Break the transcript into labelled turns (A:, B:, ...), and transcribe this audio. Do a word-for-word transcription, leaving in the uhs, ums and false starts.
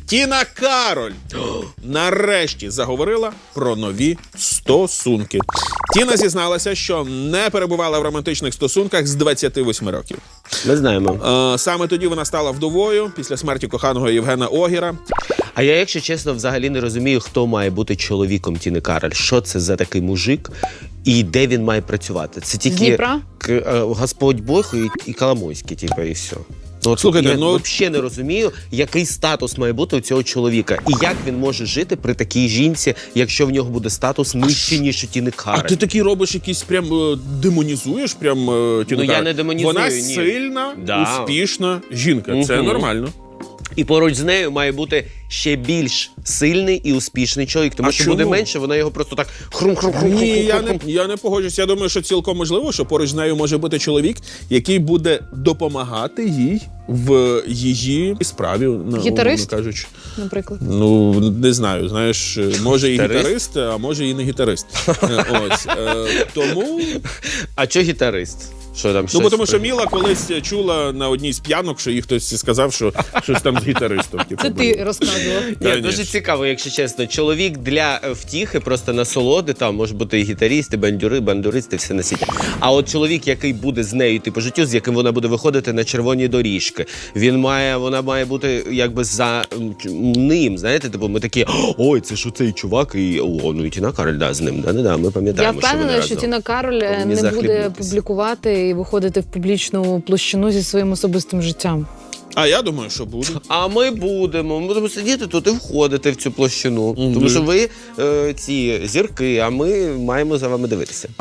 A: Тіна Кароль нарешті заговорила про нові стосунки. Тіна зізналася, що не перебувала в романтичних стосунках з двадцяти восьми років.
B: Ми знаємо.
A: Е, саме тоді вона стала вдовою після смерті коханого Євгена Огіра.
B: А я, якщо чесно, взагалі не розумію, хто має бути чоловіком Тіни Кароль. Що це за такий мужик і де він має працювати? Це тільки
C: Дніпра?
B: к- е, Господь Бог і, і Коломойський, типу, і все. Ну, от
A: Слухайте,
B: я
A: ну-
B: взагалі не розумію, який статус має бути у цього чоловіка. І як він може жити при такій жінці, якщо в нього буде статус нижче, ніж у Тіни
A: А
B: Кароль.
A: ти такий робиш якийсь прям е, демонізуєш прям е, Тіну
B: Ну, я
A: Кароль?
B: не демонізую,
A: Вона
B: ні.
A: сильна,
B: Да.
A: успішна жінка. Це
B: Мгм.
A: нормально.
B: І поруч з нею має бути ще більш сильний і успішний чоловік. Тому
A: А
B: що
A: чому?
B: буде менше, вона його просто так хрум-хрум-хрум.
A: Ні, я не, я не погоджуюсь. Я думаю, що цілком можливо, що поруч з нею може бути чоловік, який буде допомагати їй в її справі, ну,
C: Гітарист?
A: умовно кажучи.
C: Наприклад.
A: Ну, не знаю, знаєш, може і
B: Гітарист?
A: гітарист, а може і не гітарист. Е, Ось. е, Тому,
B: А чого гітарист? Що там
A: ну,
B: щось
A: бо тому що
B: при-
A: Міла колись чула на одній з п'янок, що їй хтось сказав, що щось там з гітаристом. типу,
C: Це
A: було.
C: ти розказував.
B: Ні,
A: Конечно.
B: дуже цікаво, якщо чесно. Чоловік для е, втіхи, просто насолоди, там може бути і гітаріст, і бандюри, бандуристи, все на світі. А от чоловік, який буде з нею йти по життю, з яким вона буде виходити на червоні доріжки, він має, вона має бути якби за м, ч- ним, знаєте, типу ми такі, ой, це ж оцей чувак, і о, ну і Тіна Кароль, да, з ним, да, да, да, ми
C: Я
B: пам'ятаємо, що вони
C: впевнена, що
B: разом.
C: Тіна Кароль е,
B: Повинні
C: не буде
B: захлібнутись.
C: публікувати і виходити в публічну площину зі своїм особистим життям.
A: А я думаю, що буде.
B: А ми будемо. Ми будемо сидіти тут і входити в цю площину. Тому що ви е, ці зірки, а ми маємо за вами дивитися.